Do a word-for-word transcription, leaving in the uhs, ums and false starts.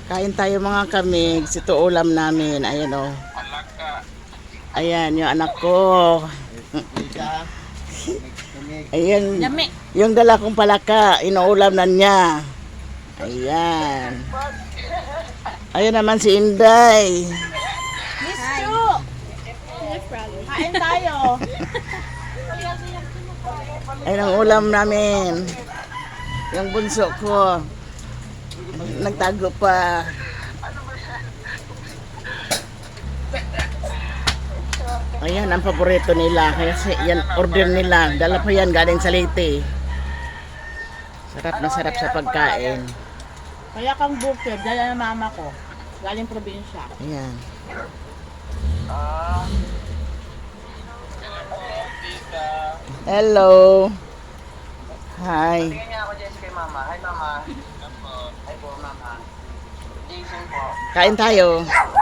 Kain tayo mga kamig. Ito ulam namin. Ayan o. Ayan, yung anak ko. Ayan. Yung dala kong palaka, inuulam na niya. Ayan. Ayan naman si Inday. Miss Chu! Kain tayo. Ayan ang ulam namin. Yung bunso ko. Nagtago pa. Ayan ang paborito nila. Kasi yan order nila. Dala pa yan galing sa Leyte. Sarap na sarap sa pagkain. Kaya kang bukid, dala ng mama ko. Galing probinsya. Ayan. Hello. Hi. Bigyan niya ako dyan kay mama. Hi mama. Hi po mama. Jason po. Kain tayo.